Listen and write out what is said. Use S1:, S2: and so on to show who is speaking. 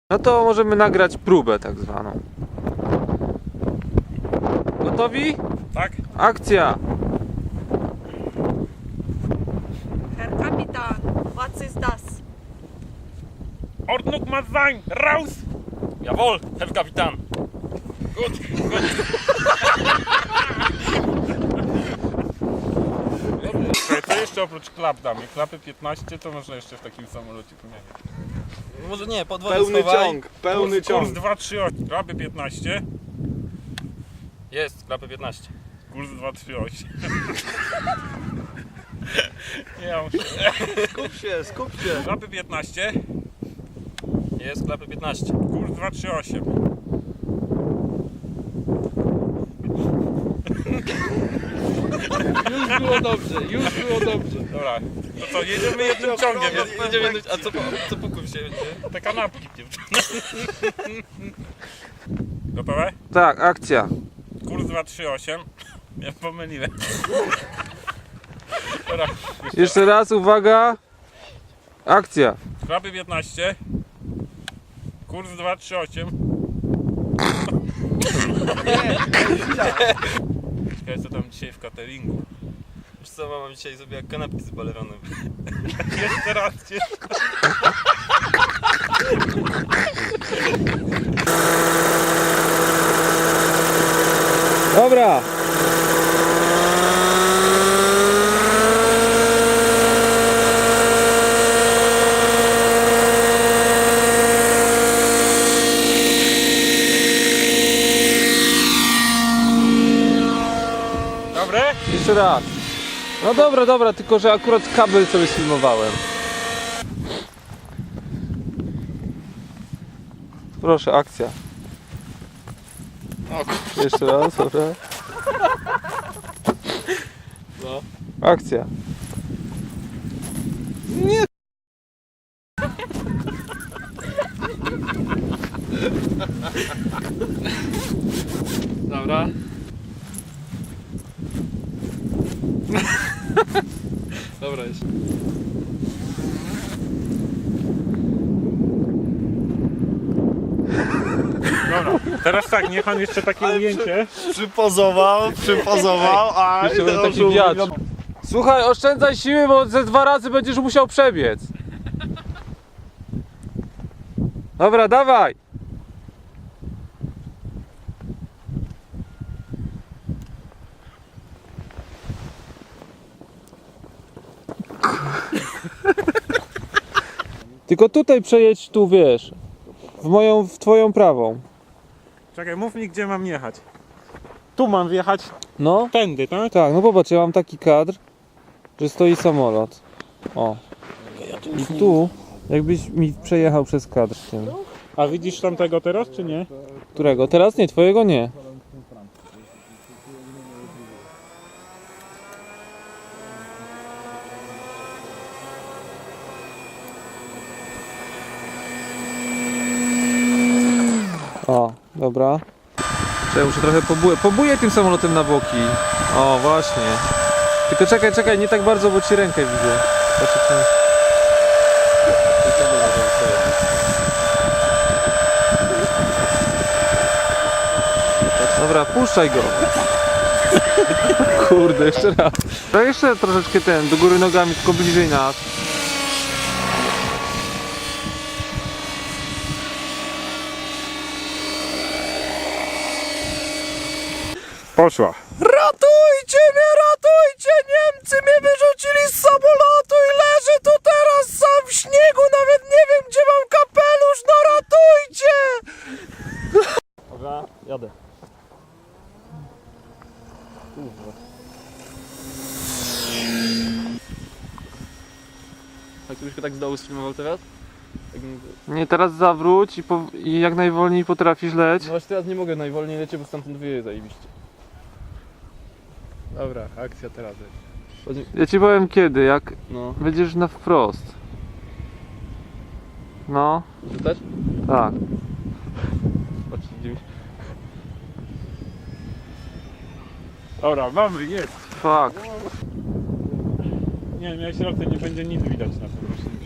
S1: No to możemy nagrać próbę tak zwaną. Gotowi?
S2: Tak?
S1: Akcja!
S3: Herr Kapitän, was ist das?
S2: Ordnung muss sein! Raus!
S4: Jawohl, Herr Kapitan. Gut, gut.
S2: Słuchaj, co jeszcze oprócz klap damy? Klapy 15 to można jeszcze w takim samolocie pomieniać.
S4: Może nie, pod wodę
S1: Pełny
S4: schowaj.
S1: ciąg, pełny
S2: Kurs
S1: ciąg.
S2: 238. Klapy 15.
S4: Jest, klapy 15.
S2: Kurs 238. Ja muszę.
S1: Skup się.
S2: Klapy 15.
S4: Jest, klapy 15.
S2: Kurs 238.
S1: Już było dobrze.
S2: Dobra, to co, jedziemy jednym ciągiem.
S4: Jedziemy, a co po kursie będzie?
S2: Te kanapki. Gotowe?
S1: Tak, akcja.
S2: Kurs 238. Ja pomyliłem. Dobra,
S1: Jeszcze raz, uwaga. Akcja.
S2: klapy 15. Kurs 238. Czekaj, co tam dzisiaj w cateringu.
S4: Wiesz co, mama dzisiaj zrobiła kanapki z baleronem.
S2: Jeszcze raz.
S1: Dobra.
S2: Dobre?
S1: Jeszcze raz. No dobra, tylko że akurat kabel sobie sfilmowałem. Proszę, akcja. Jeszcze raz, dobra.
S4: No.
S1: Akcja.
S4: Dobra. Dobra jest.
S2: Dobra. Teraz tak, niech on jeszcze takie ujęcie.
S5: Przypozował, a
S1: Jeszcze będzie taki wiatr. Słuchaj, oszczędzaj siły, bo ze 2 razy będziesz musiał przebiec. Dobra, dawaj. Tylko tutaj przejedź, tu wiesz, w twoją prawą.
S2: Czekaj, mów mi, gdzie mam jechać. Tu mam wjechać
S1: No,
S2: tędy, tak?
S1: tak, no popatrz, ja mam taki kadr, że stoi samolot. O. I tu, jakbyś mi przejechał przez kadr tym.
S2: A widzisz tamtego teraz, czy nie?
S1: Którego? Teraz nie, twojego nie. O, dobra. Czekaj, muszę trochę pobuję tym samolotem na boki. O, właśnie. Tylko czekaj, nie tak bardzo, bo ci rękę widzę. Patrz, jak tam- Dobra, puszczaj go. Kurde, jeszcze raz. To jeszcze troszeczkę do góry nogami, tylko bliżej nas.
S2: Poszła.
S5: Ratujcie mnie, ratujcie! Niemcy mnie wyrzucili z samolotu i leżę tu teraz sam w śniegu, nawet nie wiem, gdzie mam kapelusz, no ratujcie!
S4: Dobra, jadę. A gdybyś go tak z dołu sfilmował teraz? Tak,
S1: Nie, teraz zawróć i jak najwolniej potrafisz leć.
S4: no właśnie teraz nie mogę najwolniej lecieć, bo stamtąd wieje zajebiście.
S5: Dobra, akcja teraz.
S1: Ja ci powiem kiedy, jak
S4: No.
S1: będziesz na wprost. No,
S4: Rzucać?
S1: tak.
S4: Patrz, gdzie mi...
S2: Dobra, mamy, jest.
S1: Fuck.
S2: Nie, miałeś rację, nie będzie nic widać na tym roślinie.